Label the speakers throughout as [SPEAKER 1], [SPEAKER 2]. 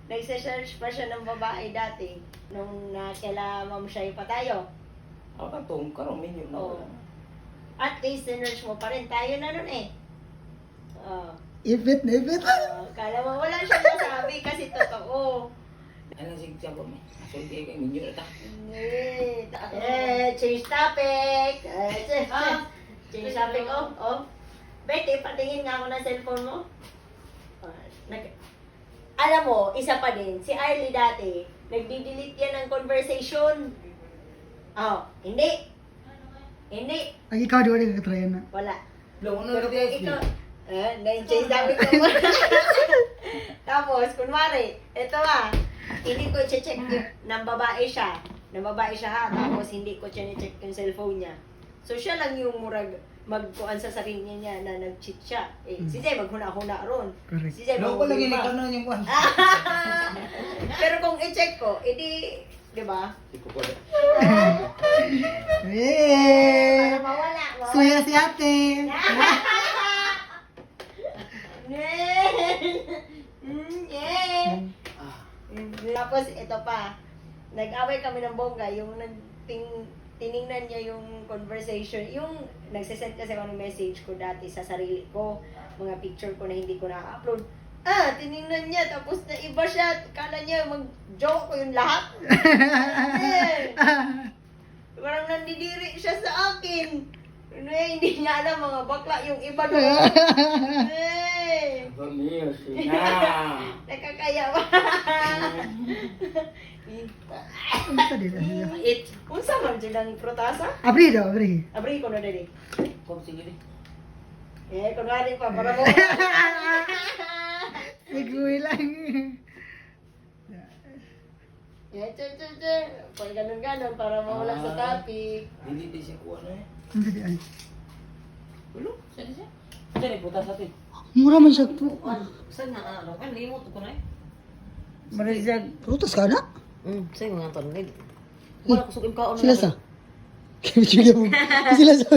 [SPEAKER 1] nagse-search pa siya ng babae dati. Nung kaila Ma'am Shay pa tayo.
[SPEAKER 2] Ako na itong karomin yun.
[SPEAKER 1] Oo. At least, sinerch mo pa rin. Tayo na nun eh. Oh.
[SPEAKER 3] Ipit na ipit.
[SPEAKER 1] Kala mo wala siyang masabi kasi totoo.
[SPEAKER 2] Ano siya po? Sulti kayo, minyo na ta.
[SPEAKER 1] Change topic. Change topic. Betty, patingin nga ako ng cellphone mo. Alam mo, isa pa din, si Arlie dati, nagdi-delete yan ng conversation. Hindi. Hindi.
[SPEAKER 3] Ang ikaw, di ba nagkatryan na?
[SPEAKER 1] Wala.
[SPEAKER 2] Long, ano
[SPEAKER 1] Pero
[SPEAKER 2] na
[SPEAKER 1] kung ikaw, na-change topic ko. Tapos, kunwari, ito hindi ko check ng babae siya. Ng babae siya ha. Tapos, hindi ko check yung cellphone niya. So, siya lang yung murag magkuan sa sarili niya na nag-cheat siya. Si Zay maghuna-huna ron.
[SPEAKER 3] Correct.
[SPEAKER 1] Si Zay
[SPEAKER 2] Long ko lagi
[SPEAKER 1] maghuna.
[SPEAKER 2] nagkanon yung kwan.
[SPEAKER 1] Pero kung i-check ko, edi, di ba?
[SPEAKER 2] Iko ko.
[SPEAKER 3] Eh!
[SPEAKER 1] Para mawala.
[SPEAKER 3] Suya si ate.
[SPEAKER 1] Tapos ito pa, nag-away kami ng bongga, yung tiningnan niya yung conversation, yung nagsisend kasi ako ng message ko dati sa sarili ko, mga picture ko na hindi ko na-upload. Tiningnan niya, tapos na iba siya, kala niya mag-joke ko yung lahat. Parang nandidiri siya sa akin. Hindi niya alam mga bakla yung iba doon.
[SPEAKER 2] Pamilya siya.
[SPEAKER 1] Nakakaya ba?
[SPEAKER 3] Ano ka din?
[SPEAKER 1] Unsa man silang protasa?
[SPEAKER 3] Abri daw, abri.
[SPEAKER 1] Abri ko na dali.
[SPEAKER 2] Kom sige di.
[SPEAKER 1] Kunwari pa, para mo.
[SPEAKER 3] Nagуwi lang.
[SPEAKER 1] Che. Pag ganun-ganun, para mawala sa topic.
[SPEAKER 2] Dili di siya kuha na eh.
[SPEAKER 3] Ang gadi ay.
[SPEAKER 2] Ulo, saan siya? Saan eh, butas atin.
[SPEAKER 3] Mura man siya po.
[SPEAKER 4] Saan nga ano? Kan limot ko na eh.
[SPEAKER 1] Marisag.
[SPEAKER 3] Prutas ka na?
[SPEAKER 4] Sa'yo nga to. Wala ko sukim kaon.
[SPEAKER 3] Sila sa? Kaya bigyan mo. Sila sa.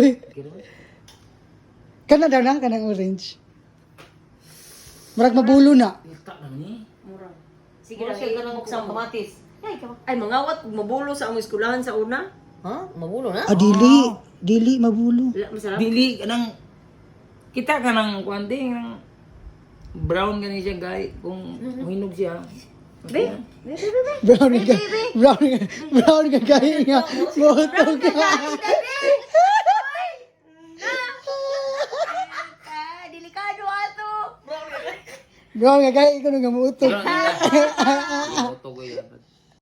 [SPEAKER 3] Kana daw na, kanang orange. Marag mabulo na.
[SPEAKER 2] Ita na ni.
[SPEAKER 1] Mura.
[SPEAKER 4] Sige
[SPEAKER 1] Sige
[SPEAKER 4] na siya
[SPEAKER 1] lang,
[SPEAKER 4] ganang buksang kamatis.
[SPEAKER 1] Ay, mangawat, mabulo sa among eskulahan sa una.
[SPEAKER 4] Ha? Mabulo na?
[SPEAKER 3] Ah, dili. Dili, mabulo.
[SPEAKER 1] Masarap.
[SPEAKER 2] Dili kanang kita kanang kuanti ng brown gani siya guy kung hinog siya.
[SPEAKER 1] Be?
[SPEAKER 3] Brown ka. Brown ka kaya nga. Moto ka.
[SPEAKER 1] Delikado ato.
[SPEAKER 3] Brown ka kaya ikaw nga moto.
[SPEAKER 2] Auto ko yan.